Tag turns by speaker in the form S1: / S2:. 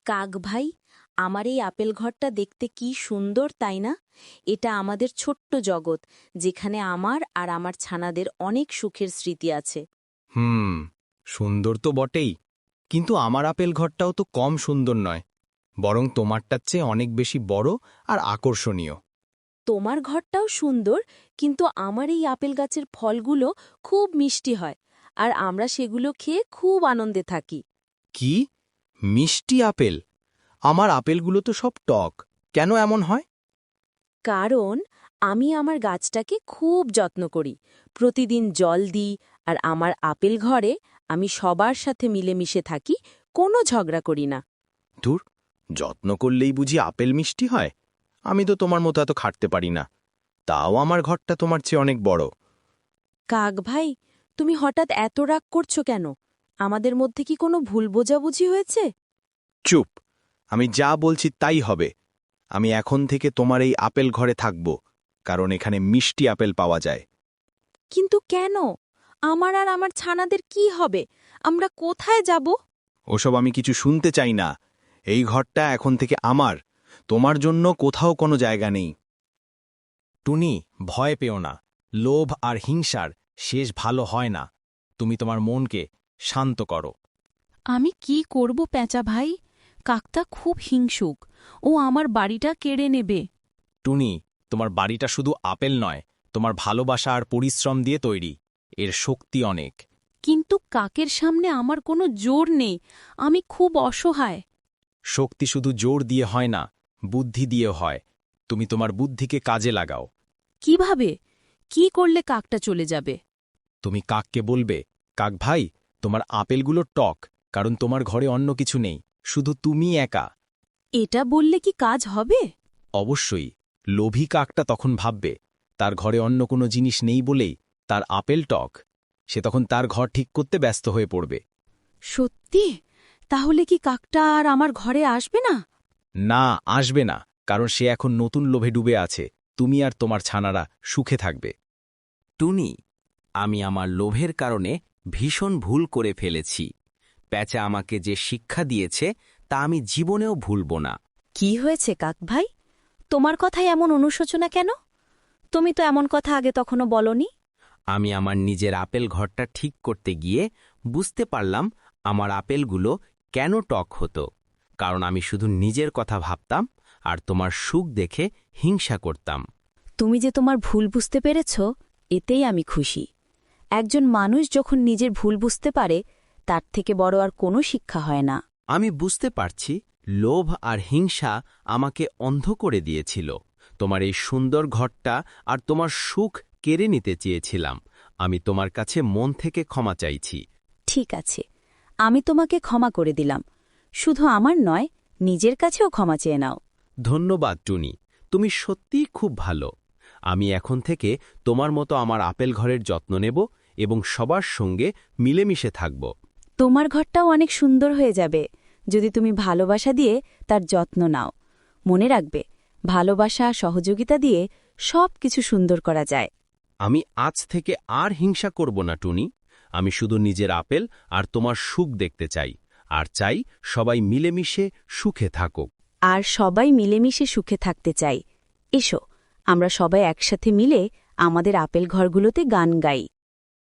S1: কাক ভাই, আমার এই আপেল ঘরটা দেখতে কি সুন্দর, তাই না? এটা আমাদের ছোট্ট জগৎ, যেখানে আমার আর আমার ছানাদের অনেক সুখের স্মৃতি আছে।
S2: হুম, সুন্দর তো বটেই, কিন্তু আমার আপেল ঘরটাও তো কম সুন্দর নয়, বরং তোমারটার চেয়ে অনেক বেশি বড় আর আকর্ষণীয়।
S1: তোমার ঘরটাও সুন্দর, কিন্তু আমার এই আপেল গাছের ফলগুলো খুব মিষ্টি হয়, আর আমরা সেগুলো খেয়ে খুব আনন্দে থাকি।
S2: কি? মিষ্টি আপেল? আমার আপেলগুলো তো সব টক, কেন এমন হয়?
S1: কারণ আমি আমার গাছটাকে খুব যত্ন করি, প্রতিদিন জল দিই, আর আমার আপেল ঘরে আমি সবার সাথে মিলেমিশে থাকি, কোনো ঝগড়া করি না।
S2: ধুর, যত্ন করলেই বুঝি আপেল মিষ্টি হয়? আমি তো তোমার মতো এত খাটতে পারি না, তাও আমার ঘরটা তোমার চেয়ে অনেক বড়।
S1: কাক ভাই, তুমি হঠাৎ এত রাগ করছো কেন? আমাদের মধ্যে কি কোনো ভুল বোঝাবুঝি হয়েছে?
S2: চুপ, আমি যা বলছি তাই হবে। আমি এখন থেকে তোমার এই আপেল ঘরে থাকব, কারণ এখানে মিষ্টি আপেল পাওয়া যায়।
S1: কিন্তু কেন? আমার আর আমার ছানাদের কি হবে? আমরা কোথায় যাব?
S2: ওসব আমি কিছু শুনতে চাই না। এই ঘরটা এখন থেকে আমার, তোমার জন্য কোথাও কোনো জায়গা নেই। টুনি, ভয় পেও না। লোভ আর হিংসার শেষ ভালো হয় না। তুমি তোমার মনকে শান্ত করো।
S3: আমি কি করব প্যাঁচা ভাই? কাকটা খুব হিংসুক, ও আমার বাড়িটা কেড়ে নেবে।
S2: টুনি, তোমার বাড়িটা শুধু আপেল নয়, তোমার ভালোবাসা আর পরিশ্রম দিয়ে তৈরি। এর শক্তি অনেক।
S3: কিন্তু কাকের সামনে আমার কোনো জোর নেই, আমি খুব অসহায়।
S2: শক্তি শুধু জোর দিয়ে হয় না, বুদ্ধি দিয়ে হয়। তুমি তোমার বুদ্ধিকে কাজে লাগাও।
S3: কিভাবে? কি করলে কাকটা চলে যাবে?
S2: তুমি কাককে বলবে, কাক ভাই, তোমার আপেলগুলো টক, কারণ তোমার ঘরে অন্য কিছু নেই, শুধু তুমি একা।
S3: এটা বললে কি কাজ হবে?
S2: অবশ্যই। লোভী কাকটা তখন ভাববে তার ঘরে অন্য কোনো জিনিস নেই বলেই তার আপেল টক। সে তখন তার ঘর ঠিক করতে ব্যস্ত হয়ে পড়বে।
S3: সত্যি? তাহলে কি কাকটা আর আমার ঘরে আসবে না?
S2: না, আসবে না, কারণ সে এখন নতুন লোভে ডুবে আছে। তুমি আর তোমার ছানারা সুখে থাকবে।
S4: টুনি, আমি আমার লোভের কারণে ভীষণ ভুল করে ফেলেছি। প্যাঁচা আমাকে যে শিক্ষা দিয়েছে তা আমি জীবনেও ভুলব না।
S1: কি হয়েছে কাক ভাই? তোমার কথায় এমন অনুশোচনা কেন? তুমি তো এমন কথা আগে তখনো বলনি।
S4: আমি আমার নিজের আপেল ঘরটা ঠিক করতে গিয়ে বুঝতে পারলাম আমার আপেলগুলো কেন টক হতো। কারণ আমি শুধু নিজের কথা ভাবতাম আর তোমার সুখ দেখে হিংসা করতাম।
S1: তুমি যে তোমার ভুল বুঝতে পেরেছ, এতেই আমি খুশি। একজন মানুষ যখন নিজের ভুল বুঝতে পারে, তার থেকে বড় আর কোনো শিক্ষা হয় না।
S4: আমি বুঝতে পারছি লোভ আর হিংসা আমাকে অন্ধ করে দিয়েছিল। তোমার এই সুন্দর ঘরটা আর তোমার সুখ কেড়ে নিতে চেয়েছিলাম। আমি তোমার কাছে মন থেকে ক্ষমা চাইছি।
S1: ঠিক আছে, আমি তোমাকে ক্ষমা করে দিলাম। শুধু আমার নয়, নিজের কাছেও ক্ষমা চেয়ে নাও।
S4: ধন্যবাদ টুনি, তুমি সত্যিই খুব ভালো। আমি এখন থেকে তোমার মতো আমার আপেল ঘরের যত্ন নেব এবং সবার সঙ্গে মিলেমিশে থাকব।
S1: তোমার ঘরটাও অনেক সুন্দর হয়ে যাবে, যদি তুমি ভালোবাসা দিয়ে তার যত্ন নাও। মনে রাখবে, ভালোবাসা সহযোগিতা দিয়ে সব কিছু সুন্দর করা যায়।
S4: আমি আজ থেকে আর হিংসা করব না টুনি। আমি শুধু নিজের আপেল আর তোমার সুখ দেখতে চাই, আর চাই সবাই মিলেমিশে সুখে থাকুক।
S1: আর সবাই মিলেমিশে সুখে থাকতে চাই। এসো, আমরা সবাই একসাথে মিলে আমাদের আপেল ঘরগুলোতে গান গাই।